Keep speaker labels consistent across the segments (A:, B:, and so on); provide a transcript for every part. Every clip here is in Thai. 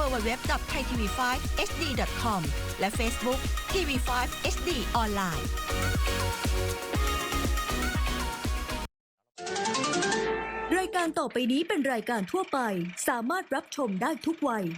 A: www.thaitv5hd.com และ Facebook TV5 HD ออนไลน์
B: รายการต่อไปนี้เป็นรายการทั่วไปสามารถรับชมได้ทุกวัย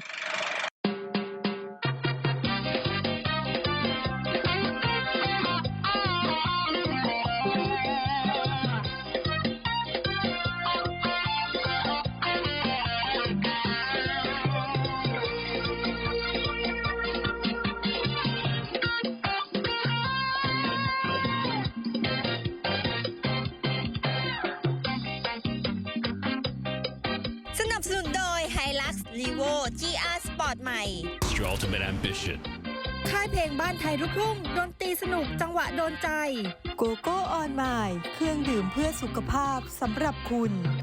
C: สนับสนุนโดย Hilux Levo GR Sport ใหม่
D: It's your ultimate ambition.
C: ค่ายเพลงบ้านไทยลูกทุ่งดนตรีสนุกจังหวะโดนใจ
E: โกโก้ออนไมล์เครื่องดื่มเพื่อสุขภาพสำหรับคุณ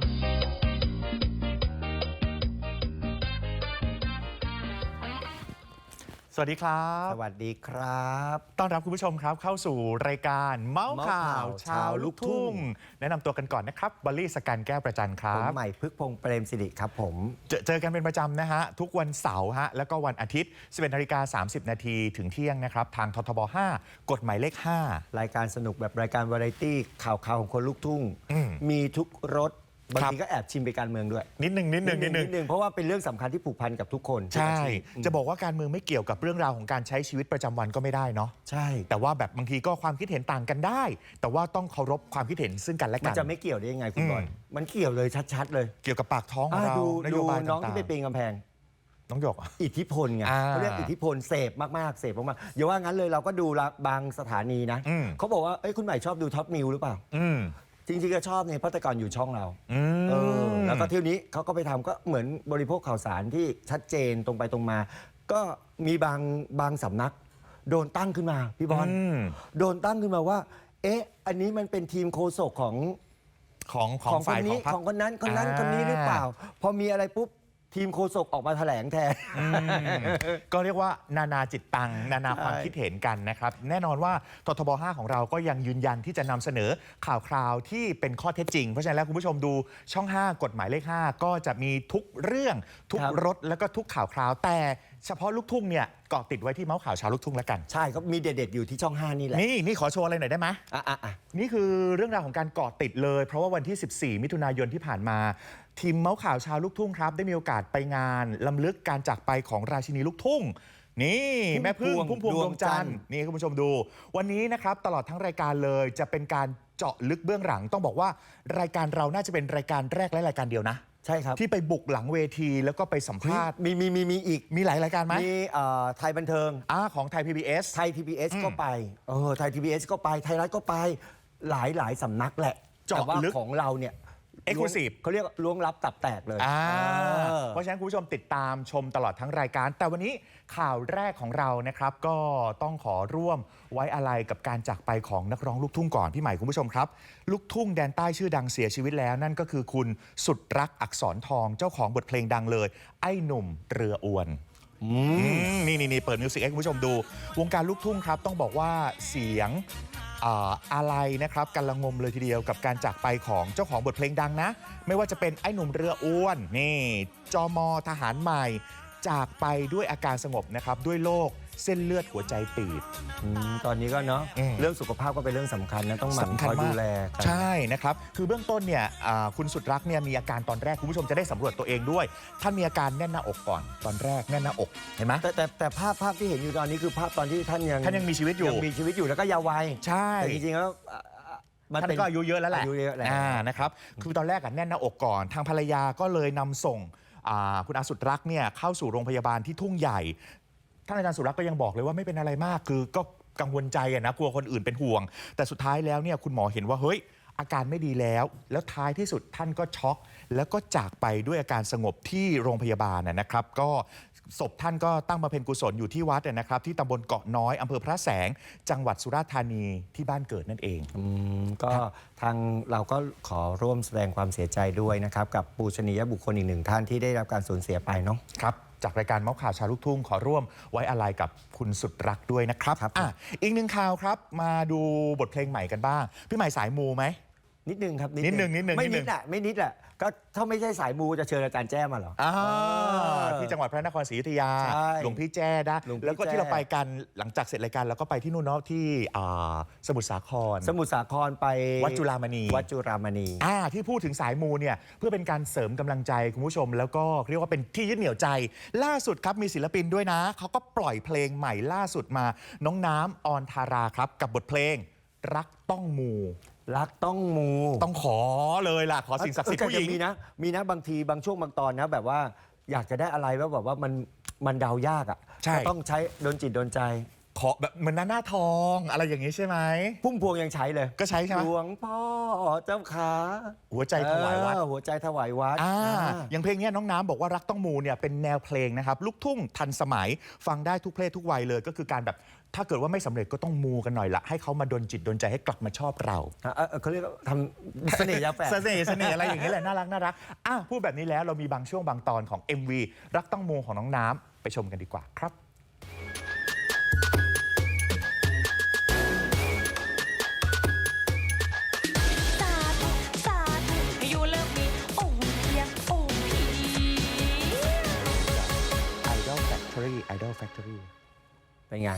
F: สวัสดีครับ
G: สวัสดีครับ
F: ต้อนรับคุณผู้ชมครับเข้าสู่รายการเมาส์ข่าวชาวลูกทุ่งแนะนำตัวกันก่อนนะครับบอลลี่สกันแก้วประจันครั
G: ผม
F: บ
G: ใหม่พึกพงษ์เปรมสิริครับผม
F: เจอกันเป็นประจำนะฮะทุกวันเสาร์ฮะแล้วก็วันอาทิตย์ 11:30 น.ถึงเที่ยงนะครับทางททบ 5 กฎหมายเลข 5
G: รายการสนุกแบบรายการวาไรตี้ข่าวของคนลูกทุ่ง มีทุกรสบางทีก็แอบชิมไปการเมืองด้วย
F: นิดนึง
G: เพราะว่าเป็นเรื่องสำคัญที่ผูกพันกับทุกคน
F: ใช่จะบอกว่าการเมืองไม่เกี่ยวกับเรื่องราวของการใช้ชีวิตประจำวันก็ไม่ได้เนาะ
G: ใช่
F: แต่ว่าแบบบางทีก็ความคิดเห็นต่างกันได้ แต่ว่าต้องเคารพความคิดเห็นซึ่งกันและ
G: มั
F: กัน น
G: จะไม่เกี่ยวได้ยังไงคุณบอลมันเกี่ยวเลยชัดๆเลย
F: เกี่ยวกับปากท้องของเรา
G: ดู
F: นโยบาย
G: น้อง
F: ต่าง
G: ที่ไปปีนกำแพง
F: ๆน้องหยก
G: อิทธิพลไงเขาเรียกอิทธิพลเสพมากๆเสพมากๆอย่าว่างั้นเลยเราก็ดูบางสถานีนะเขาบอกว่าเอ้ยคุณใหม่ชอบดูท็อปนิวหรือเปล่าจริงๆก็ชอบเนี่ยเพราะแต่ก่อนอยู่ช่องเราแล้วก็เที่ยวนี้เขาก็ไปทำก็เหมือนบริโภคข่าวสารที่ชัดเจนตรงไปตรงมา ก็มีบางสำนักโดนตั้งขึ้นมาพี่บอลโดนตั้งขึ้นมาว่าเอ๊ะอันนี้มันเป็นทีมโฆษกของ
F: ฝ่าย
G: คนนี้
F: พรรค
G: ของคนนั้นคนนี้หรือเปล่า พอมีอะไรปุ๊บทีมโฆษกออกมาแถลงแทน
F: ก็เรียกว่านานาจิตตังนานาความคิดเห็นกันนะครับแน่นอนว่าททบ 5 ของเราก็ยังยืนยันที่จะนำเสนอข่าวคราวที่เป็นข้อเท็จจริงเพราะฉะนั้นแล้วคุณผู้ชมดูช่อง 5 กฎหมายเลข 5 ก็จะมีทุกเรื่องทุกรสแล้วก็ทุกข่าวคราวแต่เฉพาะลูกทุ่งเนี่ยเกาะติดไว้ที่เมาส์ข่าวชาวลูกทุ่งแล้วกัน
G: ใช่ก็มีเด็ดๆอยู่ที่ช่อง 5 นี่แหละ
F: นี่ขอโชว์อะไรหน่อยได้ไหมนี่คือเรื่องราวของการเกาะติดเลยเพราะว่าวันที่ 14 มิถุนายนที่ผ่านมาทีมเมาส์ข่าวชาวลูกทุ่งครับได้มีโอกาสไปงานล้ำลึกการจากไปของราชินีลูกทุ่งนี่แม่พึ่งพุ่มพวงดวงจันทร์นี่คุณผู้ชมดูวันนี้นะครับตลอดทั้งรายการเลยจะเป็นการเจาะลึกเบื้องหลังต้องบอกว่ารายการเราน่าจะเป็นรายการแรกและรายการเดียวนะ
G: ใช่ครับ
F: ที่ไปบุกหลังเวทีแล้วก็ไปสัมภาษณ์
G: มีอีก
F: มีหลายรายการไหม
G: มีไทยบันเทิง
F: ของไทย PBS
G: ไทย PBS ก็ไปไทย PBS ก็ไปไทยรัฐก็ไปหลายสำนักแหละ
F: เจาะลึก
G: ของเราเนี่ย
F: Exclusive
G: เขาเรียกล้วงลับตับแตกเลย
F: เพราะฉะนั้นคุณผู้ชมติดตามชมตลอดทั้งรายการแต่วันนี้ข่าวแรกของเรานะครับก็ต้องขอร่วมไว้อาลัยกับการจากไปของนักร้องลูกทุ่งก่อนพี่ใหม่คุณผู้ชมครับลูกทุ่งแดนใต้ชื่อดังเสียชีวิตแล้วนั่นก็คือคุณสุดรักอักษรทองเจ้าของบทเพลงดังเลยไอ้หนุ่มเรืออวนนี่เปิดมิวสิกให้คุณผู้ชมดูวงการลูกทุ่งครับต้องบอกว่าเสียงอะไรนะครับกันละงมเลยทีเดียวกับการจากไปของเจ้าของบทเพลงดังนะไม่ว่าจะเป็นไอ้หนุ่มเรืออ้วนนี่จม.ทหารใหม่จากไปด้วยอาการสงบนะครับด้วยโรคเส้นเลือดหัวใจตีบ
G: ตอนนี้ก็เนาะเรื่องสุขภาพก็เป็นเรื่องสำคัญนะต้องหมั่นคอยดูแล
F: ใช่นะครับคือเบื้องต้นเนี่ยคุณสุดรักเนี่ยมีอาการตอนแรกคุณผู้ชมจะได้สำรวจตัวเองด้วยท่านมีอาการแน่นหน้าอกก่อนตอนแรกแน่นหน้าอกเห็นไหม
G: แต่ภาพที่เห็นอยู่ตอนนี้คือภาพตอนที่ท่าน
F: ยังมีชีวิตอยู่
G: แล้วก็ยาววัย
F: ใช่
G: แต่จริงๆแล้ว
F: ท่านก็อายุเยอะแล้วแหละนะครับคือตอนแรกแน่นหน้าอกก่อนทางภรรยาก็เลยนำส่งคุณอาสุดรักเนี่ยเข้าสู่โรงพยาบาลที่ทุ่งใหญ่ท่านอาจารย์สุรักษ์ก็ยังบอกเลยว่าไม่เป็นอะไรมากคือก็กังวลใจนะกลัวคนอื่นเป็นห่วงแต่สุดท้ายแล้วเนี่ยคุณหมอเห็นว่าเฮ้ยอาการไม่ดีแล้วท้ายที่สุดท่านก็ช็อกแล้วก็จากไปด้วยอาการสงบที่โรงพยาบาลนะครับก็ศพท่านก็ตั้งบำเพ็ญกุศลอยู่ที่วัดนะครับที่ตำบลเกาะน้อยอำเภอพระแสงจังหวัดสุราษฎร์ธานีที่บ้านเกิดนั่นเอง
G: ก็ทางเราก็ขอร่วมแสดงความเสียใจด้วยนะครับกับปูชนียบุคคลอีกหนึ่งท่านที่ได้รับการสูญเสียไปเนาะ
F: ครับจากรายการเมาส์ข่าวชาวลูกทุ่งขอร่วมไว้อาลัยกับคุณสุดรักด้วยนะครับอีกหนึ่งข่าวครับมาดูบทเพลงใหม่กันบ้างพี่ใหม่สายมูไหม
G: นิดนึงครับ
F: นิดนึง
G: ไม่นิดอ่ะไม่นิดอ่ะก็ถ้าไม่ใช่สายมูจะเชิญอาจารย์แจ้มาเหรอ
F: ที่จังหวัดพระนครศรีอยุธยา
G: ใช่
F: หลวงพี่แจ้นะ
G: หลวงพี่
F: แล้วก็ที่
G: แจ้
F: เราไปกันหลังจากเสร็จรายการเราก็ไปที่นู่นเนาะที่สมุทรสาคร
G: สมุทรสาครไป
F: วัดจุฬามณี
G: วัดจุฬามณี
F: ที่พูดถึงสายมูเนี่ยเพื่อเป็นการเสริมกำลังใจคุณผู้ชม แล้วก็เรียกว่าเป็นที่ยึดเหนี่ยวใจ ล่าสุดครับมีศิลปินด้วยนะเขาก็ปล่อยเพลงใหม่ล่าสุดมาน้องน้ำออนทาราครับกับบทเพลงรักต้องมู
G: รักต้องมู
F: ต้องขอเลยล่ะขอสิ่งศักดิ์สิทธิ์ผู้หญิง
G: มีนะบางทีบางช่วงบางตอนนะแบบว่าอยากจะได้อะไรแล้วแบบว่ามันเดายากอ่ะ
F: ใช่
G: ก็ต้องใช้โดนจิตโดนใจ
F: ขอแบบเหมือนหน้าทองอะไรอย่างนี้ใช่ไหม
G: พุ่มพวงยังใช้เลย
F: ก็ใช้ใช่ไหม
G: หลวงพ่อเจ้าขา
F: หัวใจถวายวัด
G: หัวใจถวายวัด
F: อย่างเพลงนี้น้องน้ำบอกว่ารักต้องมูเนี่ยเป็นแนวเพลงนะครับลูกทุ่งทันสมัยฟังได้ทุกเพศทุกวัยเลยก็คือการแบบถ้าเกิดว่าไม่สำเร็จก็ต้องมูกันหน่อยละให้เขามาดลจิตดลใจให้กลับมาชอบเรา
G: เขาเรียกว่าทำเสน่ห์ยาแฝด
F: เสน่ห์อะไรอย่างนี้แหละน่ารักพูดแบบนี้แล้วเรามีบางช่วงบางตอนของ MV รักต้องมูของน้องน้ำไปชมกันดีกว่าครับ
H: สาธุสาธุให้อยู่เลิฟมีโอ้เพียงโอ้พี
F: Idol Factory
G: เป็นไง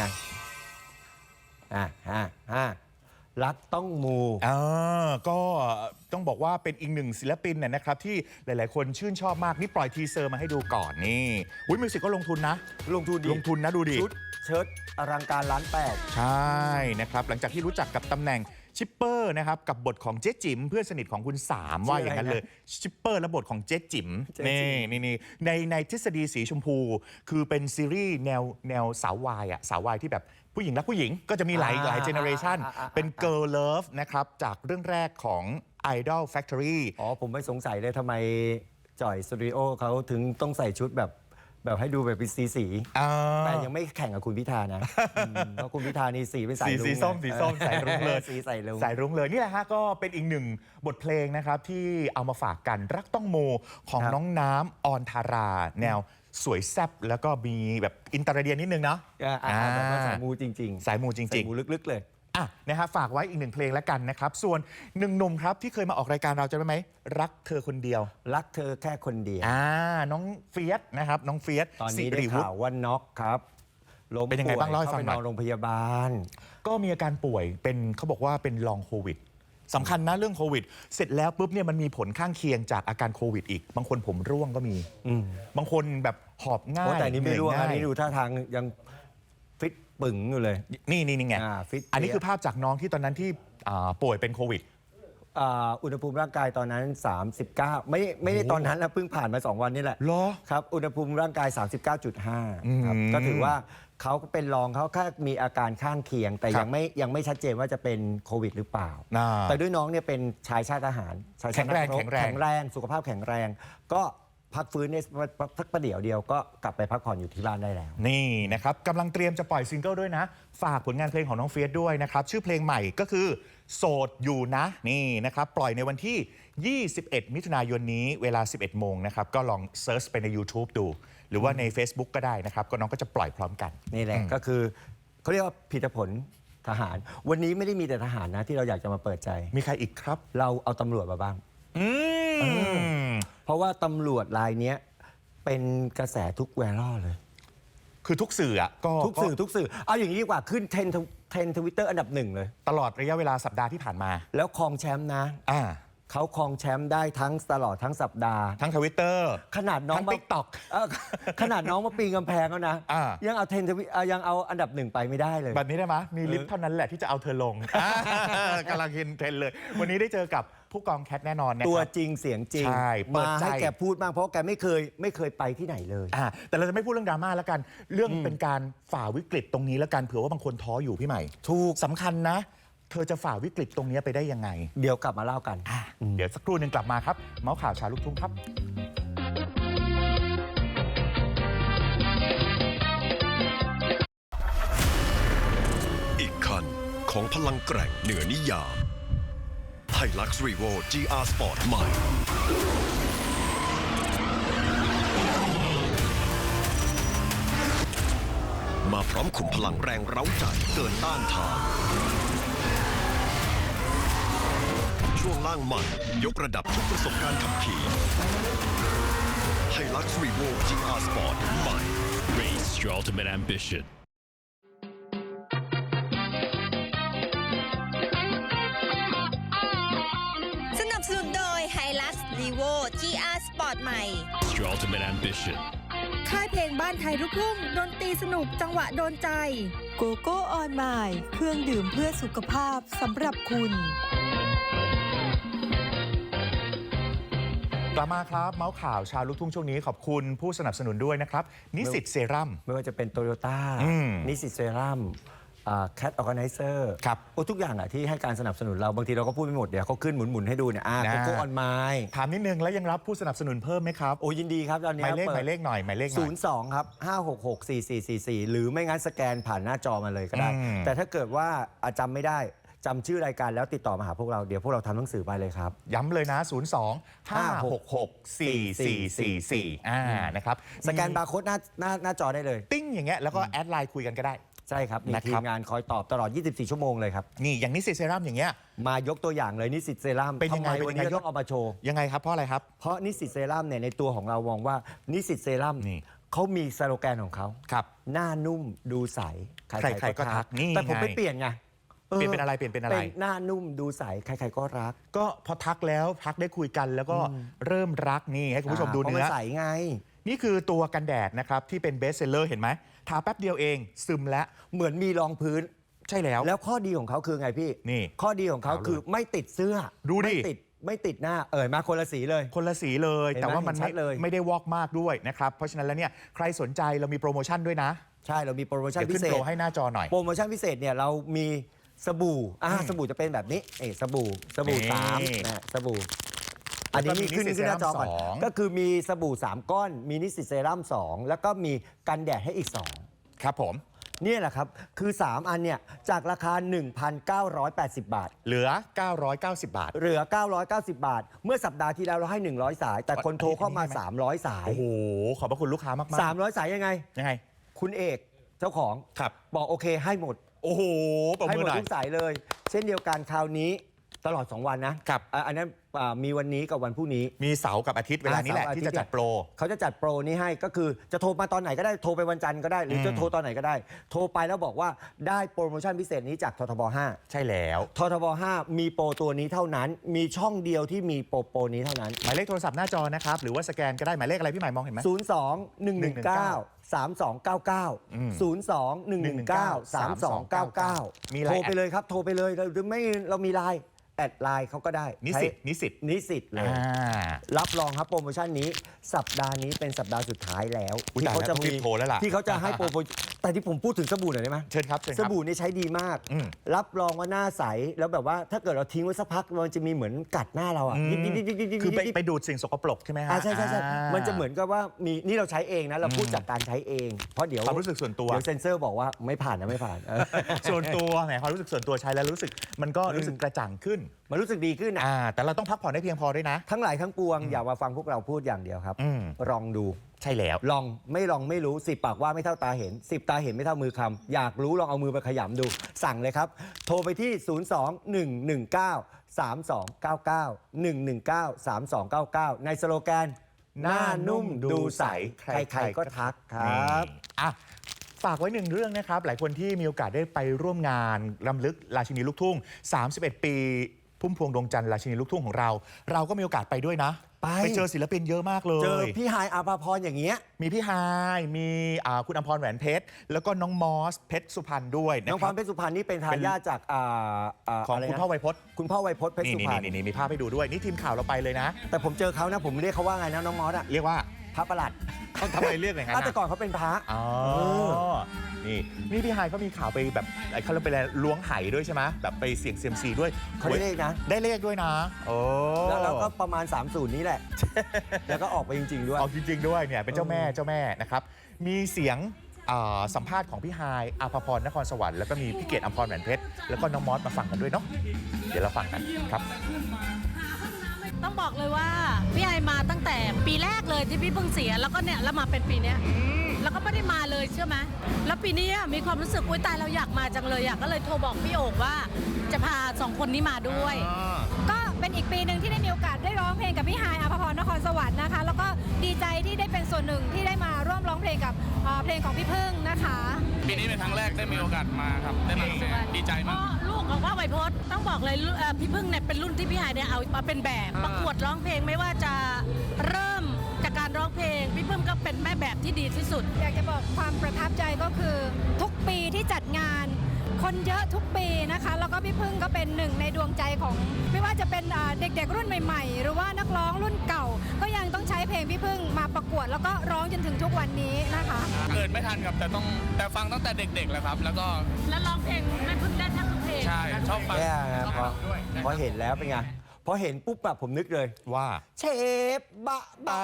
G: รักต้องมู
F: ก็ต้องบอกว่าเป็นอีกหนึ่งศิลปินนะครับที่หลายๆคนชื่นชอบมากนี่ปล่อยทีเซอร์มาให้ดูก่อนนี่มิวสิกก็ลงทุนนะลงทุนนะดูดิ
G: ชุดเชิ้ตอลังการล้านแปด
F: ใช่นะครับหลังจากที่รู้จักกับตำแหน่งชิปเปอร์นะครับกับบทของเจ๊จิ๋มเพื่อนสนิทของคุณสามว่าอย่างนั้นเลยชิปเปอร์และบทของเจ๊จิ๋มนี่ในทฤษฎีสีชมพูคือเป็นซีรีส์แนวสาววายที่แบบผู้หญิงรักผู้หญิงก็จะมีหลายเจเนอเรชันเป็น Girl Love นะครับจากเรื่องแรกของ Idol Factory
G: ผมไม่สงสัยเลยทำไมจ่อยสตูดิโอเขาถึงต้องใส่ชุดแบบให้ดูแบบเป็นสีแต่ยังไม่แข่งกับคุณพิธานะเพราะคุณพิธานี่สีเป็นสายรุ้ง
F: สีส้มสายรุ้งเลย
G: สีใส่รุ้ง
F: สายรุ้งเลยนี่แหละฮะก็เป็นอีกหนึ่งบทเพลงนะครับที่เอามาฝากกันรักต้องโมของน้องน้ำออนทาราแนวสวยแซ่บแล้วก็มีแบบอินเตอร์เดียนนิดนึงเนาะ
G: แบบว่าสายมูจริงๆ
F: สายมูจริง
G: สายมูลึกๆเลย
F: นะฮะฝากไว้อีกหนึ่งเพลงแล้วกันนะครับส่วนหนึ่งหนุ่มครับที่เคยมาออกรายการเราจำได้ไหมรักเธอคนเดียว
G: รักเธอแค่คนเดียว
F: น้องเฟียสนะครับน้องเฟียส
G: ตอนนี้ได้ข่าวว่าน็อกครับล้ม
F: เป็นยังไงบ้างเล่าให้ฟังหน่อย
G: เข้าไปนอนโรงพยาบาล
F: ก็มีอาการป่วยเป็นเขาบอกว่าเป็นลองโควิดสำคัญนะเรื่องโควิดเสร็จแล้วปุ๊บเนี่ยมันมีผลข้างเคียงจากอาการโควิดอีกบางคนผมร่วงก็มีบางคนแบบหอบง่าย
G: แต่นี่ไม่รู้
F: เห
G: อัน
F: ย
G: นี้ดูท่าทางยังฟิตปึ๋งอยู่เลย
F: นี่ไง
G: ฟิต
F: อันนี้คือภาพจากน้องที่ตอนนั้นที่ป่วยเป็นโควิด
G: อุณหภูมิร่างกายตอนนั้น 39 ไม่ได้ตอนนั้นนะเพิ่งผ่านมา 2 วันนี่แหละ
F: เหรอ
G: ครับอุณหภูมิร่างกาย 39.5 ครับก็ถือว่าเขาก็เป็นรองเขาแค่มีอาการข้างเคียง แต่
F: ครับ
G: ยังไม่ชัดเจนว่าจะเป็นโควิดหรือเปล่า
F: อ่า
G: แต่ด้วยน้องเนี่ยเป็นชายชาติทหารชายชาตินักรบ
F: แข็งแรง
G: สุขภาพแข็งแรง ก็พักฟื้นในสักประเดี๋ยวเดียวก็กลับไปพักผ่อนอยู่ที่บ้านได้แล้ว
F: นี่นะครับกำลังเตรียมจะปล่อยซิงเกิลด้วยนะ ฝากผลงานเพลงของน้องเฟียสด้วยนะครับ ชื่อเพลงใหม่ก็คือโสดอยู่นะนี่นะครับ ปล่อยในวันที่ 21 มิถุนายนนี้เวลา 11 โมงนะครับ ก็ลองเซิร์ชไปใน YouTube ดู หรือว่าใน Facebook ก็ได้นะครับ ก็น้องก็จะปล่อยพร้อมกัน
G: นี่แหละก็คือเขาเรียกว่าผลิตผลทหาร วันนี้ไม่ได้มีแต่ทหารนะที่เราอยากจะมาเปิดใจ
F: มีใครอีกครับ
G: เราเอาตำรวจมาบ้าง เพราะว่าตำรวจรายเนี้ยเป็นกระแสทุกแวร์ล่อเลย
F: คือทุกสื่ออะก็
G: ทุกสื่อเอาอย่างนี้ดีกว่าขึ้นเทรนด์ทวิตเตอร์อันดับ 1เลย
F: ตลอดระยะเวลาสัปดาห์ที่ผ่านมา
G: แล้วครองแชมป์นะเขาครองแชมป์ได้ตลอดทั้งสัปดาห์
F: ทั้ง Twitter
G: ขนาดน้อง
F: ทั้ง TikTok
G: ขนาดน้องมาปีนกำแพงแล้วนะ ยังเอายังเอาอันดับ 1ไปไม่ได้เลย
F: แบบนี้ได้ไหมมีลิฟต์เท่านั้นแหละที่จะเอาเธอลงกำลังเทรนเลย วันนี้ได้เจอกับผู้กองแคทแน่นอนนะครับ
G: ตัวจริงเสียงจริง
F: ใช่เปิด
G: มา
F: ใจ
G: ให้แกพูดบ้างเพราะแกไม่เคยไปที่ไหนเลย
F: แต่เราจะไม่พูดเรื่องดราม่าแล้วกัน เรื่องเป็นการฝ่าวิกฤตตรงนี้แล้วกันเผื่อว่าบางคนท้ออยู่พี่ใหม่
G: ถูก
F: สำคัญนะ เธอจะฝ่าวิกฤตตรงนี้ไปได้ยังไง
G: เดี๋ยวกลับมาเล่ากัน
F: เดี๋ยวสักครู่หนึ่งกลับมาครับ เมาส์ข่าวเชาลูกทุ่งครับ
D: อีกคันของพลังแกร่งเหนือนิยาม Hilux Revo GR Sport ใหม่ มาพร้อมขุมพลังแรงเร้าใจเกินต้านทานช่วงล่างใหม่ยกระดับทุกประสบการณ์ขับขี่ Hilux Revo GR Sport ใหม่
I: Race your ultimate ambition.
C: สนับสนุนโดย Hilux Levo GR Sport ใหม่
I: Your ultimate ambition.
C: ค่ายเพลงบ้านไทยลูกทุ่งดนตรีสนุกจังหวะโดนใจ
E: โกโก้ออนไมล์เครื่องดื่มเพื่อสุขภาพสำหรับคุณ
F: กลับมาครับเมาส์ข่าวชาวลูกทุ่งช่วงนี้ขอบคุณผู้สนับสนุนด้วยนะครับนิสิตเซรั่ม
G: ไม่ว่าจะเป็นโตโยต้านิสสิตเซรั่มแคทออร์แกไนเซอร์
F: ครับ
G: ทุกอย่างอะที่ให้การสนับสนุนเราบางทีเราก็พูดไม่หมดเดี๋ยวเขาขึ้นหมุนๆให้ดูเนี่ยโกโก้ออนไมล์
F: ถามนิดนึงแล้วยังรับผู้สนับสนุนเพิ่มไหมครับ
G: โอ้ยินดีครับตอน
F: ห
G: นี้
F: มายเลขหมายเลขหน่อยหมายเลขหน่อย
G: 02 ครับ 5664444 หรือไม่งั้นสแกนผ่านหน้าจอมาเลยก็ได้ แต่ถ้าเกิดว่าจำไม่ได้จำชื่อรายการแล้วติดต่อมาหาพวกเราเดี๋ยวพวกเราทำหนังสือไปเลยครับ
F: ย้ำเลยนะ 02-566-4444นะครับ
G: สแกนบาร์โค้ดหน้าจอได้เลย
F: ติ้งอย่างเงี้ยแล้วก็แอดไลน์คุยกันก็ได้
G: ใช่ครับมี
F: นะค
G: ที
F: รับ
G: มงานคอยตอบตลอด 24 ชั่วโมงเลยครับ
F: นี่อย่างนิสิตเซรั่มอย่างเงี้ย
G: มายกตัวอย่างเลยนิสสิตเซรั่ม
F: เป็นยังไง
G: ทำไมวันนี้
F: เป็นยังไง
G: ต้องเอามาโชว์
F: ยังไงครับเพราะอะไรครับ
G: เพราะนิสสิตเซรั่มเนี่ยในตัวของเรามองว่านิสสิตเซรั่ม
F: นี่
G: เขามีสโลแกนของเขา
F: ครับ
G: หน้านุ่มดูใส
F: ใครๆก็ทักนี่
G: แต่ผม
F: ไง
G: ไปเปลี่ยนไง
F: เปลี่ยนเป็นอะไรเปลี่ยนเป็นอะไร
G: เป็นหน้านุ่มดูใสใครๆก็รัก
F: ก็พอทักแล้วทักได้คุยกันแล้วก็เริ่มรักนี่ให้คุณผู้ชมดู
G: เพราะ
F: เนื้
G: มั
F: อ
G: ใสไง
F: นี่คือตัวกันแดดนะครับที่เป็นเบสเซลเลอร์เห็นไหมทาแป๊บเดียวเองซึมแล้ว
G: เหมือนมีรองพื้น
F: ใช่แล้ว
G: แล้วข้อดีของเขาคือไงพี่
F: นี่
G: ข้อดีของเขาคือไม่ติดเสื้อ
F: ดูดิ
G: ไม่ติดหน้ามาคนละสีเลย
F: คนละสีเลย
G: เห็นไหม
F: แต่ว่ามัน
G: เห็นชัดเลย
F: ไม่ได้วอกมากด้วยนะครับเพราะฉะนั้นแล้วเนี่ยใครสนใจเรามีโปรโมชั่นด้วยนะ
G: ใช่เรามีโปรโมชั่น
F: เดี๋ยว
G: พิ
F: ขึ้น
G: เศ
F: โป
G: ษ
F: รให้หน้าจอหน่อย
G: โปรโมชั่นพิเศษเนี่ยเรามีสบู่สบู่จะเป็นแบบนี้สบู่
F: นี่
G: 3นะสบู่อันนี้
F: แล้วก็มี
G: ขึ้น
F: นิสสิต
G: หน้าจอก่อน
F: เซรั่ม2
G: ก็คือมีสบู่3ก้อนมีนิสสิตเซรั่ม2แล้วก็มีกันแดดให้อีก2
F: ครับผม
G: นี่แหละครับคือ 3 อันเนี่ยจากราคา 1,980 บาท
F: เหลือ 990 บาท
G: เหลือ 990 บาท เมื่อสัปดาห์ที่แล้วเราให้ 100 สาย แต่คนโทรเข้ามา
F: อันนี้
G: 300 สาย
F: โอ้โหขอบพระคุณลูกค้ามากๆ
G: 300 สายยังไง
F: ยังไง
G: คุณเอกเจ้าของ
F: ครับ
G: บอกโอเคให้หมด
F: โอ้โหปรบ
G: ให้
F: มื
G: ห
F: อ
G: มด
F: หน่อย
G: ทุกสายเลย เช่นเดียวกันคราวนี้ตลอด 2 วันนะครับอันนั้นมีวันนี้กับวันพรุ่งนี้
F: มีเสาร์กับอาทิตย์เวลานี้แหละ
G: เสาร์อาทิตย์
F: ที่จะจัดโปร
G: เขาจะจัดโปรนี้ให้ก็คือจะโทรมาตอนไหนก็ได้โทรไปวันจันทร์ก็ได้ หรือจะโทรตอนไหนก็ได้ โทรไปแล้วบอกว่าได้โปรโมชั่นพิเศษนี้จากททบ
F: ใช่แล้ว
G: 5ททบ 5 มีโปรตัวนี้เท่านั้น มีช่องเดียวที่มีโปรนี้เท่านั้น
F: หมายเลขโทรศัพท์หน้าจอนะครับหรือว่าสแกนก็ได้หมายเลขอะไรพี่หมายมองเห็นไหม
G: 02-119-3299
F: มี
G: 02-119-3299
F: ไลน์
G: โทรไปเลยครับโทรไปเลยหรือไม่เรามีไลน์แอดไลน์เขาก็ได้
F: นิสิต
G: นิสิตเลย
F: อ่า
G: รับรองครับโปรโมชั่นนี้สัปดาห์นี้เป็นสัปดาห์สุดท้ายแล้ว
F: อุ๊ย
G: ที่เขาจะ
F: ตายแล้วต้องรีบโทรแล้วล่ะ
G: ที่เขาจะให้โปรโมชั่นแต่ที่ผมพูดถึงสบู่หน่อยได้ไหม
F: เชิญครับเชิญค
G: ส
F: รับ
G: บู่นี่ใช้ดีมาก
F: อืม
G: รับรองว่าหน้าใสแล้วแบบว่าถ้าเกิดเราทิ้งไว้สักพักมันจะมีเหมือนกัดหน้าเราอ่ะยิบ
F: คือไปดูดสิ่งสกปรกใช่ไหมฮะ
G: ใช่มันจะเหมือนกับว่ามีนี่เราใช้เองนะเราพูดจากการใช้เอง เพราะเดี๋ยว
F: ความรู้สึกส่วนตัว
G: เดี๋ยวเซ็นเซอร์บอกว่าไม่ผ่านนะไม่ผ่าน
F: ส่วนตัวแหมความรู้สึกส่วนตัวใช้แล้วรู้สึกมันก็รู้สึกกระจ่างขึ้น
G: มันรู้สึกดีขึ้นนะ
F: แต่เราต้องพักผ่อนได้เพียงพอด้วยนะ
G: ทั้งหลายทั้งปวงอย่ามาฟังพวกเราพูดอย่างเดียวครับ ลองดู
F: ใช่แล้ว
G: ลองไม่รู้10 ปากว่าไม่เท่าตาเห็น 10 ตาเห็นไม่เท่ามือคำอยากรู้ลองเอามือไปขยำดู สั่งเลยครับ โทรไปที่ 02-119-3299 ในสโลแกนหน้านุ่มดูใสใครๆก็ทักครับ
F: ฝากไว้หนึ่งเรื่องนะครับ หลายคนที่มีโอกาสได้ไปร่วมงานรำลึกราชินีลูกทุ่ง 31 ปีพุ่มพวงดวงจันทร์ราชินีลูกทุ่งของเรา เราก็มีโอกาสไปด้วยนะ ไปเจอศิลปินเยอะมากเลย
G: เจอพี่ฮายอาภาพรอย่างเงี้ย
F: มีพี่ฮายมีคุณอภรแหวนเพชรแล้วก็น้องมอสเพชรสุพรรณด้วยนะ
G: น้อง
F: ค
G: พ
F: รั
G: รเพชรสุพรรณนี่เป็นทายาทจาก
F: ของ
G: ะไรนะ
F: คุณพ่อไวยพจน์
G: คุณพ่อไวยพจน์เพชรสุพรรณ
F: นี่มีภาพให้ดูด้วยนี่ทีมข่าวเราไปเลยนะ
G: แต่ผมเจอเขานะผมเรียกเขาว่าไงนะน้องมอสอะ
F: เรียกว่า
G: พระประหลัด
F: เขาทำอะไรเรียกไงฮะ
G: แต่ก่อนเขาเป็นพระ
F: อ๋อนี่พี่ฮายเขามีข่าวไปแบบเขาเรียกไปล้วงไหด้วยใช่ไหมแบบไปเสี่ยงเซียมซีด้วย
G: เขาได้เลขนะ
F: ได้เลขด้วยนะโอ้
G: แล้วก็ประมาณ 30 นี้แหละ แล้วก็ออกไปจริง ๆ ด้วย
F: ออกจริง ๆ ด้วยเนี่ยเป็นเจ้าแม่นะครับมีเสียงสัมภาษณ์ของพี่ฮายอาภพรนครสวรรค์แล้วก็มีพี่เกดอภรแหวนเพชรแล้วก็น้องมอสมาฟังกันด้วยเนาะเดี๋ยวเราฟังกันครับ
J: ต้องบอกเลยว่าพี่ไอมาตั้งแต่ปีแรกเลยที่พี่เพิ่งเสียแล้วก็เนี่ยแล้วมาเป็นปีเนี้ยแล้วก็ไม่ได้มาเลยเชื่อไหมแล้วปีนี้มีความรู้สึกอุ้ยตายเราอยากมาจังเลยก็เลยโทรบอกพี่โอ่งว่าจะพา2 คนนี้มาด้วยก็
K: เป็นอีกปีหนึ่งที่ได้มีโอกาสได้ร้องเพลงกับพี่ฮายอภพรนครสวรรค์นะคะแล้วก็ดีใจที่ได้เป็นส่วนหนึ่งที่ได้มาร่วมร้องเพลงกับเพลงของพี่พึ่งนะคะ
L: ปีนี้เป็นครั้งแรกได้มีโอกาสมาครับได้มาดีใจมาก
J: ลูกของพ่อไวโพสต้องบอกเลยพี่พึ่งเนี่ยเป็นรุ่นที่พี่ฮายเนี่ยเอามาเป็นแบบประกวดร้องเพลงไม่ว่าจะเริ่มจากการร้องเพลงพี่พึ่งก็เป็นแม่แบบที่ดีที่สุด
K: อยากจะบอกความประทับใจก็คือทุกปีที่จัดงานคนเยอะทุกปีนะคะแล้วก็พี่พึ่งก็เป็นหนึ่งในดวงใจของไม่ว่าจะเป็นเด็กๆรุ่นใหม่ๆหรือว่านักร้องรุ่นเก่าก็ยังต้องใช้เพลงพี่พึ่งมาประกวดแล้วก็ร้องจนถึงทุกวันนี้นะคะ
L: เกิดไม่ทันครับแต่ฟังตั้งแต่เด็กๆแล้วครับแล้ว
J: ร้องเพลงแม่พึ่งได้ทั้งทุกเพลง
L: ใช่ชอบฟัง
G: พอเห็นแล้วเป็นไงพอเห็นปุ๊บแบบผมนึกเลย
F: ว่า
G: เชฟบะ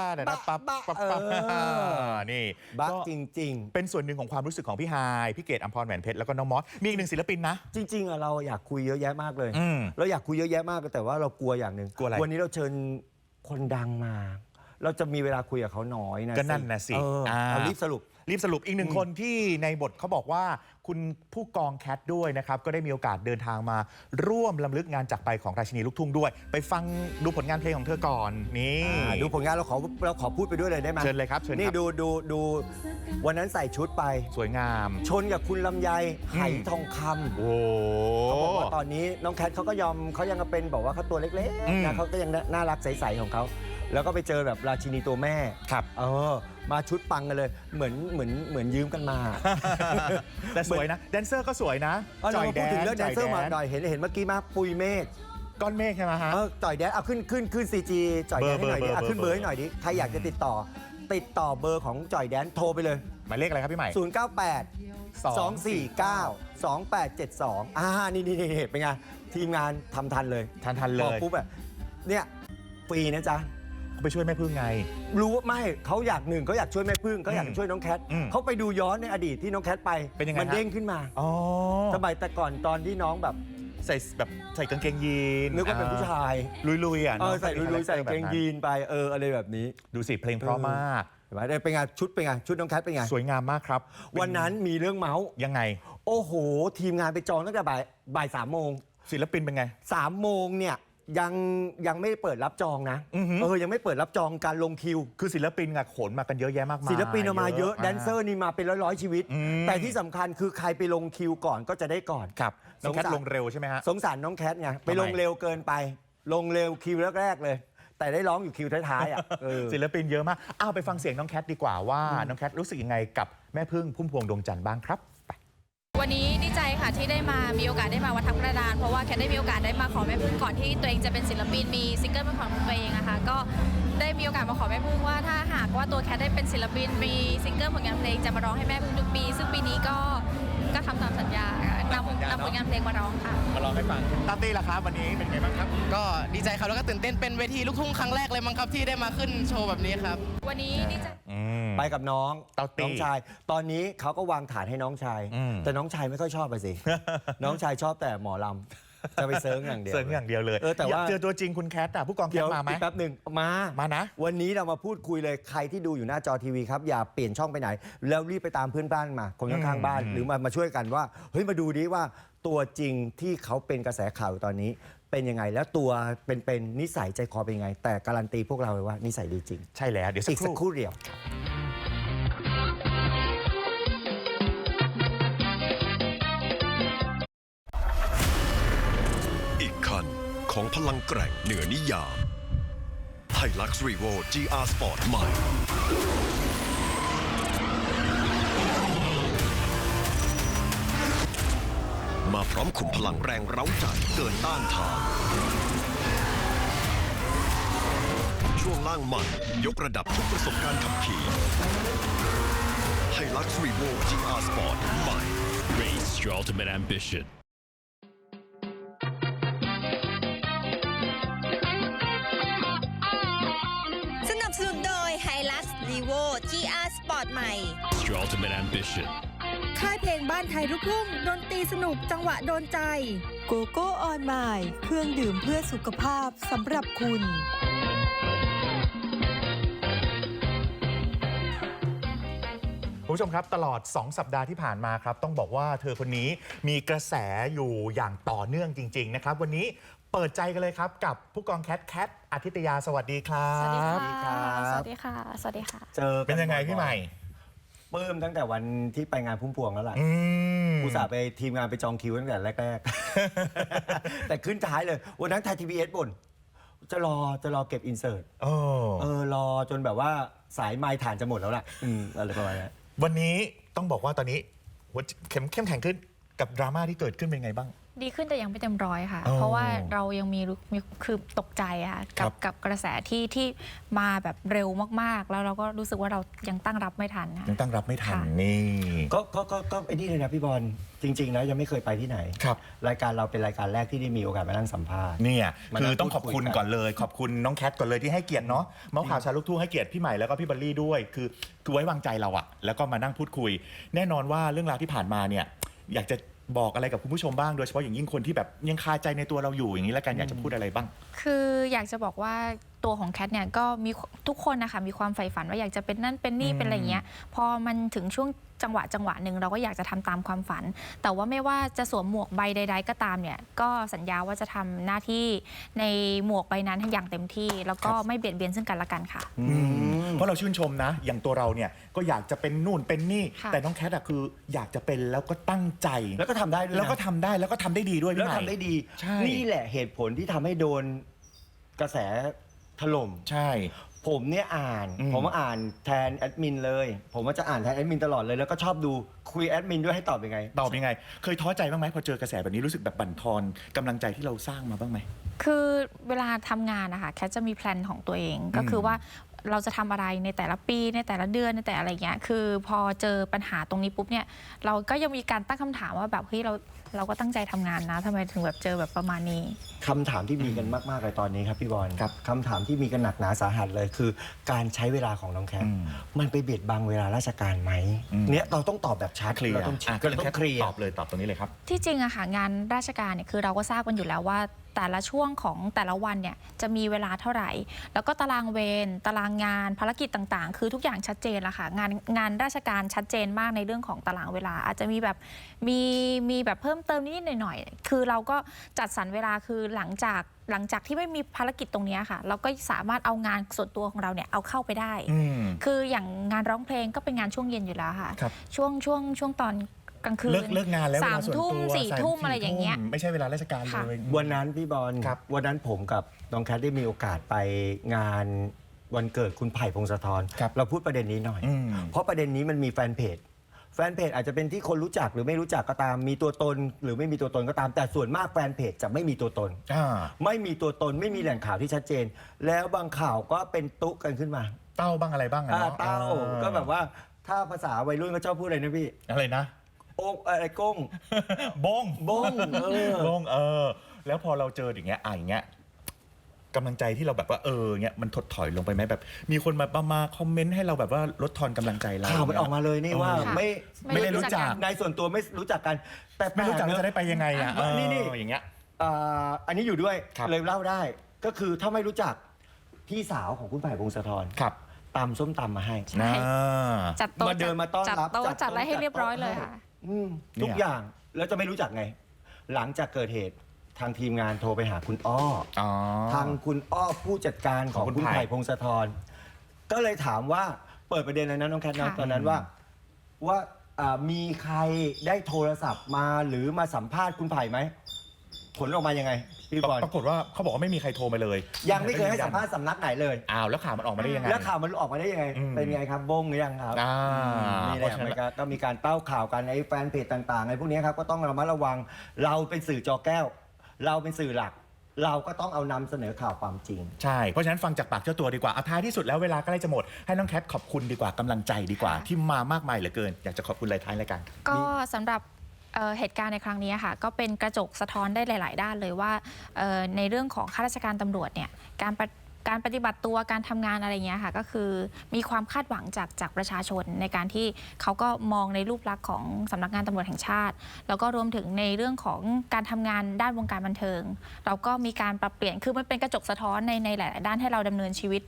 F: นี่
G: บะจริง
F: ๆเป็นส่วนหนึ่งของความรู้สึกของพี่ฮายพี่เกดอัมพรแหวนเพชรแล้วก็น้องมอสมีอีกหนึ่งศิลปินนะ
G: จริงๆเราอยากคุยเยอะแยะมากเลยเราอยากคุยเยอะแยะมากแต่ว่าเรากลัวอย่างหนึ่งวันนี้เราเชิญคนดังมาเราจะมีเวลาคุยกับเขาน้อยนะ
F: ก็นั่นนะสิ
G: รีบสรุป
F: อีกหนึ่งคนที่ในบทเขาบอกว่าคุณผู้กองแคทด้วยนะครับก็ได้มีโอกาสเดินทางมาร่วมรำลึกงานจากไปของราชินีลูกทุ่งด้วยไปฟังดูผลงานเพลงของเธอก่อนนี่
G: ดูผลงานเราขอพูดไปด้วยเลยได้ไหม
F: เชิญเลยครับเชิญ
G: นี่ดูวันนั้นใส่ชุดไป
F: สวยงาม
G: ชนกับคุณลำไยไหทองคำเขาบอกว่าตอนนี้น้องแคทเขาก็ยอมเขายังเป็นบอกว่าเขาตัวเล็กๆนะเขาก็ยังน่ารักใสๆของเขาแล้วก็ไปเจอแบบราชินีตัวแม่
F: ครับ
G: มาชุดปังกันเลยเหมือนยืมกันมา
F: แต่สวยนะแดนเซอร์ก็สวยนะ
G: จอยแดนพูดถึงเรื่องแดนเซอร์มาหน่อยเห็นเมื่อกี้มาปุยเมฆ
F: ก้อนเมฆใช่ไหมฮะ
G: จอยแดนเอาขึ้น CG จอยแดนให้หน่อยดิขึ้นเบอร์ให้หน่อยดิใครอยากจะติดต่อเบอร์ของจอยแดนโทรไปเลย
F: หมายเลขอะไรครับพี่ใหม่
G: 098 249 2872นี่เป็นไงทีมงานทำทันเลยบอกปุ๊บแบบเนี่ยฟรีนะจ๊ะ
F: ไปช่วยแม่พึ่งไง
G: รู้ว่าไม่เขาอยากช่วยแม่พึ่งเขาอยากช่วยน้องแคทเขาไปดูย้อนในอดีตที่น้องแคทไป
F: เป็นยังไง
G: มันเด้งขึ้นมาสมัยแต่ก่อนตอนที่น้องแบบ
F: ใส่กางเกงยีน
G: นึกว่าเป็นผู้ชาย
F: ลุยๆ
G: ใส่ลุยๆใส่กางเกงยีนไปอะไรแบบนี้
F: ดูสิเพลงเพราะมาก
G: เป็นไงชุดน้องแคทเป็นไง
F: สวยงามมากครับ
G: วันนั้นมีเรื่องเมาส์
F: ยังไง
G: โอ้โหทีมงานไปจองตั้งแต่บ่าย3 โมง
F: ศิลปินเป็นไง
G: 3 โมงเนี่ยยังไม่เปิดรับจองนะยังไม่เปิดรับจองการลงคิว
F: คือศิลปินขนมากันเยอะแยะมากมาย
G: ศิลปินมาเยอะแดนเซอร์นี่มาเป็นร้อยชีวิตแต่ที่สำคัญคือใครไปลงคิวก่อนก็จะได้ก่อน
F: ครับน้องแคทลงเร็วใช่ไหมฮะ
G: สงสารน้องแคทไงไปลงเร็วเกินไปลงเร็วคิวแรกๆเลยแต่ได้ร้องอยู่คิวท้ายๆ
F: ศิลปินเยอะมากไปฟังเสียงน้องแคทดีกว่าว่าน้องแคทรู้สึกยังไงกับแม่พึ่งพุ่มพวงดวงจันทร์บ้างครับ
H: วันนี้ดีใจค่ะที่ได้มีโอกาสได้มาวัดทับกระดานเพราะว่าแคทได้มีโอกาสได้มาขอแม่พึ่งก่อนที่ตัวเองจะเป็นศิลปินมีซิงเกิลเป็นของตัวเองนะคะก็ได้มีโอกาสมาขอแม่พึ่งว่าถ้าหากว่าตัวแคทได้เป็นศิลปินมีซิงเกิลผลงานเพลงจะมาร้องให้แม่พึ่งทุกปีซึ่งปีนี้ก็ทำตามสัญญานำผลงานเพลงมาร้องค่ะ
F: มาร้องให้ฟังตาตี้ล่ะครับวันนี้เป็นไงบ้างครับ
L: ก็ดีใจครับแล้วก็ตื่นเต้นเป็นเวทีลูกทุ่งครั้งแรกเลยมั้งครับที่ได้มาขึ้นโชว์แบบนี้ครับ
H: วันนี้ดีใจ
G: ไปกับน้องชายตอนนี้เขาก็วางฐานให้น้องชายแต่น้องชายไม่ค่อยชอบไปสิน้องชายชอบแต่หมอลำจะไปเซิร์งอย่างเดียว
F: เลยแต่ว่าเจอตัวจริงคุณแคทผู้กองแคทมาไหม
G: แป๊บหนึ่งมานะวันนี้เรามาพูดคุยเลยใครที่ดูอยู่หน้าจอทีวีครับอย่าเปลี่ยนช่องไปไหนแล้วรีบไปตามเพื่อนบ้านมาคนข้างๆบ้านหรือมาช่วยกันว่าเฮ้ยมาดูดิว่าตัวจริงที่เขาเป็นกระแสข่าวตอนนี้เป็นยังไงแล้วตัวเป็นนิสัยใจคอเป็นยังไงแต่การันตีพวกเราเลยว่านิสัยดีจริง
F: ใช่แล้วเดี๋ยว
G: อีกสักครู่เดียว
D: ของพลังแกร่งเหนือนิยามไฮลักซ์รีโว GR Sport ใหม่มาพร้อมขุมพลังแรงเร้าใจเกินต้านทานช่วงล่างใหม่ยกระดับทุกประสบการณ์ขับขี่ไฮลักซ์รีโว GR Sport ใหม่
I: Race your ultimate ambition
C: สนุนโดย Hilux Levo GR Sport ใหม่
I: Your ultimate ambition
K: ค่ายเพลงบ้านไทยลูกทุ่งดนตรีสนุกจังหวะโดนใจ
E: โกโก้ออนไมล์เครื่องดื่มเพื่อสุขภาพสำหรับคุณ
F: คุณผู้ชมครับตลอด2 สัปดาห์ที่ผ่านมาครับต้องบอกว่าเธอคนนี้มีกระแสอยู่อย่างต่อเนื่องจริงๆนะครับวันนี้เปิดใจกันเลยครับกับผู้กองแคทอาทิตยาสวัสดีครับ
H: สวัสดีค่ะ
G: ครับ
H: สวัสดีค่ะ สวัสดีค่ะ
G: เจอ
F: เป็นยังไงพี่ใหม่
G: ปลื้มตั้งแต่วันที่ไปงานพุ่มพวงแล้วล่ะอุตส่าห์ไปทีมงานไปจองคิวตั้งแต่แรกๆ แต่ขึ้นท้ายเลยวันนั้นไทยทีวีเอสบ่นจะรอเก็บอินเสิร์ตรอจนแบบว่าสายไม้ฐานจะหมดแล้วล่ะอะไรประมาณนี้
F: วันนี้ต้องบอกว่าตอนนี้หัวเข้มแข็งขึ้นกับดราม่าที่เกิดขึ้นเป็นไงบ้าง
H: ดีขึ้นแต่ยังไม่เต็มร้อยค่ะ
F: อ๋อ
H: เพราะว่าเรายังมีคือตกใจค่ะ
F: ครับ
H: กับกระแสที่มาแบบเร็วมากๆ แล้วเราก็รู้สึกว่าเรายังตั้งรับไม่ทันค่ะ
F: ยังตั้งรับไม่ทัน
H: ค่ะ
F: นี่
G: ก็ไอ้นี่เลยนะพี่บอลจริงๆนะยังไม่เคยไปที่ไหน
F: ครับ
G: รายการเราเป็นรายการแรกที่ได้มีโอกาสมานั่งสัมภาษณ์
F: เนี่ย
G: มา
F: คื
G: นั่
F: อง ต้องขอบคุณ
G: พูดคุยกัน
F: ก่อนเลย ขอบคุณน้องแคทก่อนเลยที่ให้เกียรติเนาะเมาส์ข่าวชาวลูกทุ่งให้เกียรติพี่ใหม่แล้วก็พี่บัลลี่ด้วยคือไว้วางใจเราอะแล้วก็มานั่งพูดคุย แน่นอนว่าเรื่องราวที่ผ่านมาเนี่ยอยากจะบอกอะไรกับคุณผู้ชมบ้างโดยเฉพาะอย่างยิ่งคนที่แบบยังคาใจในตัวเราอยู่อย่างนี้แล้วกันอยากจะพูดอะไรบ้าง
H: คืออยากจะบอกว่าตัวของแคทเนี่ยก็มีทุกคนนะคะมีความใฝ่ฝันว่าอยากจะเป็นนั่นเป็นนี่เป็นอะไรอย่างเงี้ยพอมันถึงช่วงจังหวะหนึ่งเราก็อยากจะทำตามความฝัน แต่ว่าไม่ว่าจะสวมหมวกใบใดๆก็ตามเนี่ยก็สัญญาว่าจะทำหน้าที่ในหมวกใบนั้นให้อย่างเต็มที่ แล้วก็ไม่เบียดเบียนซึ่งกันและกันค่ะ
F: เพราะเราชื่นชมนะ อย่างตัวเราเนี่ยก็อยากจะเป็นนู่นเป็นนี่
H: ค่ะ
F: แต่น้องแคทอะคืออยากจะเป็นแล้วก็ตั้งใจ
G: แล้วก็ทำได้ด้วยนะ
F: แล้วก็ทำได้แล้วก็ทำได้ดีด้วยพี่
G: แล้ว
F: ใหม่
G: ทำได้ดี
F: ใช่
G: นี่แหละเหตุผลที่ทำให้โดนกระแสถล่ม
F: ใช่
G: ผมเนี่ยผมอ่านแทนแอดมินเลย ผมว่าจะอ่านแทนแอดมินตลอดเลยแล้วก็ชอบดูคุยแอดมินด้วยให้ตอบยังไง
F: ตอบยังไง เคยท้อใจบ้างไหมพอเจอกระแสแบบนี้รู้สึกแบบบั่นทอนกำลังใจที่เราสร้างมาบ้างไหม
H: คือเวลาทำงานนะคะแคทจะมีแพลนของตัวเองก็คือว่าเราจะทำอะไรในแต่ละปีในแต่ละเดือนในแต่อะไรเงี้ยคือพอเจอปัญหาตรงนี้ปุ๊บเนี่ยเราก็ยังมีการตั้งคำถามว่าแบบเฮ้ยเราก็ตั้งใจทำงานนะทำไมถึงแบบเจอแบบประมาณนี้
G: คำถามที่มีกันมากๆเลยตอนนี้ครับพี่บอล
F: ครับ
G: คำถามที่มีกันหนักหนาสาหัสเลยคือ การใช้เวลาของน้องแคทมันไปเบียดบังเวลาราชการไหมเนี่ยเราต้องตอบแบบชัด
F: เคลียร์
G: เราต้อง
F: อ่ะ
G: เราต้องเคลียร์
F: ตอบเลยตอบตรงนี้เลยครับ
H: ที่จริงอะค่ะงานราชการเนี่ยคือเราก็ทราบกันอยู่แล้วว่าแต่ละช่วงของแต่ละวันเนี่ยจะมีเวลาเท่าไหร่ แล้วก็ตารางเวรตารางงานภารกิจต่างๆ คือทุกอย่างชัดเจนละค่ะงานราชการชัดเจนมากในเรื่องของตารางเวลาอาจจะมีแบบมีแบบเพิ่มเติมนิดๆหน่อยๆคือเราก็จัดสรรเวลาคือหลังจากที่ไม่มีภารกิจตรงนี้ค่ะเราก็สามารถเอางานส่วนตัวของเราเนี่ยเอาเข้าไปได้ คืออย่างงานร้องเพลงก็เป็นงานช่วงเย็นอยู่แล้วค่ะ
F: ครับ
H: ช่วงตอนกลางคืน
F: เลิกงานแล้วเวลา
H: 3
F: ส่วน
H: ทุ่ม
F: ตัว
H: 4 ทุ่มอะไรอย่างเงี้ย
F: ไม่ใช่เวลาราชการ
H: ค่ะ
F: เลย
G: วันนั้นพี่บอล
F: ครับ
G: วันนั้นผมกับน้องแคทได้มีโอกาสไปงานวันเกิดคุณไผ่พงศธร
F: ครับ
G: เราพูดประเด็นนี้หน่อย เพราะประเด็นนี้มันมีแฟนเพจอาจจะเป็นที่คนรู้จักหรือไม่รู้จักก็ตามมีตัวตน หรือไม่มีตัวตนก็ตามแต่ส่วนมากแฟนเพจจะไม่มีตัวตน ไม่มีตัวตนไม่มีแหล่งข่าวที่ชัดเจน แล้วบางข่าวก็เป็นตุ๊กันขึ้นมา
F: เต้าบ้างอะไรบ้างอะเนาะ
G: เต้าก็แบบว่าถ้าภาษาวัยรุ่นก็ชอบพูดอะไรนะพี่
F: อะไรนะ
G: โอ๊กอะไรก้ง
F: บง
G: บง
F: บงแล้วพอเราเจออย่างเงี้ยอย่างเงี้ยกำลังใจที่เราแบบว่าเงี้ยมันถดถอยลงไปไหมแบบ มีคนมาคอมเมนต์ให้เราแบบว่าลดทอนกำลังใจเรา
G: ข่าวมันออกมาเลยนี่ว่า
H: ค่ะ
F: ไม่ได้รู้จัก
G: ในส่วนตัวไม่รู้จักกัน แต่
F: ไม่รู้จัก
G: แปล
F: จะได้ไปยังไงอ่ะ
G: นี่
F: อย่างเงี้ย
G: อันนี้อยู่ด้วย
F: ครับ
G: เลยเล่าได้ ก็คือถ้าไม่รู้จักพี่สาวของคุณไผ่พงศธร
F: ครับ
G: ตำส้มตำมาให้
H: ใช่จัดโต๊ะ
G: มาเดินมาต้อนรับ
H: จัดโต๊ะจัดอะไรให้เรียบร้อยเลยค่ะ
G: ทุกอย่างแล้วจะไม่รู้จักไง หลังจากเกิดเหตุทางทีมงานโทรไปหาคุณอ้อ ทางคุณอ้อผู้จัดการของ
F: ของคุ
G: คุณ
F: ณไผ่
G: ไผ่พงศธรก็เลยถามว่าเปิดประเด็นเลยนะน้องแคทนะ
H: ค่ะ
G: ตอนนั้นว่ามีใครได้โทรศัพท์มาหรือมาสัมภาษณ์คุณไผ่ไหมผลออกมายังไงพี่บอล
F: ปรากฏว่าเขาบอกว่าไม่มีใครโทรมาเลย
G: ยังไม่เคยให้สัมภาษณ์สำนักไหนเลย
F: อ้าวแล้วข่าวมันออกมาได้ยังไง
G: แล้วข่าวมันออกมาได้ยังไง เป็นไงครับบงหรือยังครับนี่แหละมันก็มีการเต้าข่าวกันในแฟนเพจต่างๆในพวกนี้ครับก็ต้องระมัดระวังเราเป็นสื่อจอแก้ว เราเป็นสื่อหลัก เราก็ต้องเอานำเสนอข่าวความจริง
F: ใช่ เพราะฉะนั้นฟังจากปากเจ้าตัวดีกว่าท้ายที่สุดแล้วเวลาใกล้จะหมดให้น้องแคทขอบคุณดีกว่ากำลังใจดีกว่า ที่มามากมายเหลือเกินอยากจะขอบคุณอะไรท้ายรายการ
H: ก็สำหรับเหตุการณ์ในครั้งนี้ค่ะก็เป็นกระจกสะท้อนได้หลาย ๆ ด้านเลยว่าในเรื่องของข้าราชการตำรวจเนี่ยการปฏิบัติตัวการทำงานอะไรเงี้ยค่ะก็คือมีความคาดหวังจากประชาชนในการที่เขาก็มองในรูปลักษณ์ของสำนักงานตำรวจแห่งชาติแล้วก็รวมถึงในเรื่องของการทำงานด้านวงการบันเทิงเราก็มีการปรับเปลี่ยนคือมันเป็นกระจกสะท้อนในหลาย ๆ ด้านให้เราดำเนินชีวิต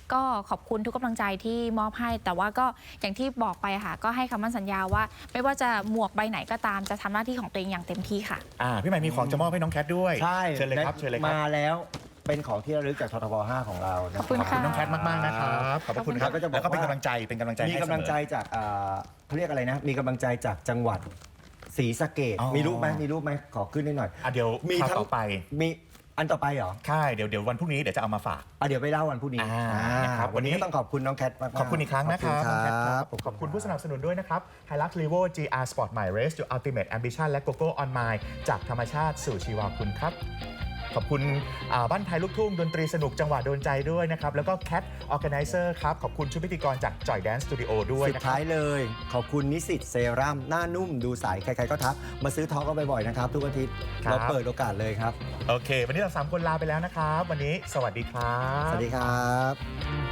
H: ก็ขอบคุณทุกกำลังใจที่มอบให้แต่ว่าก็อย่างที่บอกไปค่ะก็ให้คำมั่นสัญญาว่าไม่ว่าจะหมวกใบไหนก็ตามจะทำหน้าที่ของตัวเองอย่างเต็มที่ค่ะ
F: พี่ใหม่มีของจะมอบให้น้องแคทด้วย
G: ใช่
F: เชิญเลยครับเชิญเลยครับ
G: มาแล้วเป็นของที่ระลึกจากททบ 5 ของเรานะ
H: ขอบคุณค่ะ
F: น้องแคทมากๆนะครับขอบคุณครับ
G: ก็จะบอก
F: แล้วก็เป็น
G: ว่า
F: กำลังใจให้
G: มีกำลังใจ
F: เสมอ
G: จากเขาเรียกอะไรนะมีกำลังใจจากจังหวัดศรีสะเกษ
F: อ๋อ
G: มีรูปไหมขอขึ้นได้หน่อย
F: เดี๋ยว
G: มี
F: คราว
G: ทั้ง
F: ต่อไป
G: มีอันต่อไปเหรอ
F: ใช่เดี๋ยววันพรุ่งนี้เดี๋ยวจะเอามาฝาก
G: เดี๋ยวไปเล่าวันพรุ่งนี้
F: นะครับ
G: วันนี้ก็ต้องขอบคุณน้องแคทมากๆ
F: ขอบคุณอีกครั้งนะครับ
G: ขอบ
F: น้องแค
G: ณ
F: ท
G: ครับ
F: ขอบคุณผู้สนับสนุนด้วยนะครับ Hilux Levo GR Sport My Race Your Ultimate Ambition และ GoGo On My จากธรรมชาติสู่ชีวาคุณครับ ขอบคุณบ้านไทยลูกทุ่งดนตรีสนุกจังหวะโดนใจด้วยนะครับ แล้วก็ Cat Organizer ครับ ขอบคุณชุดพิธีกรจาก Joy Dance Studio ด้วย
G: สุด
F: นะครับ
G: ท้ายเลยขอบคุณนิสิตเซรั่มหน้านุ่มดูใสใครๆก็ทักมาซื้อท็อกกันบ่อยๆนะครับทุกอาทิตย์
F: ครับ
G: เราเปิดโอกาสเลยครับ
F: โอเค วันนี้เรา3คนลาไปแล้วนะครับ วันนี้สวัสดีครับ
G: สวัสดีครับ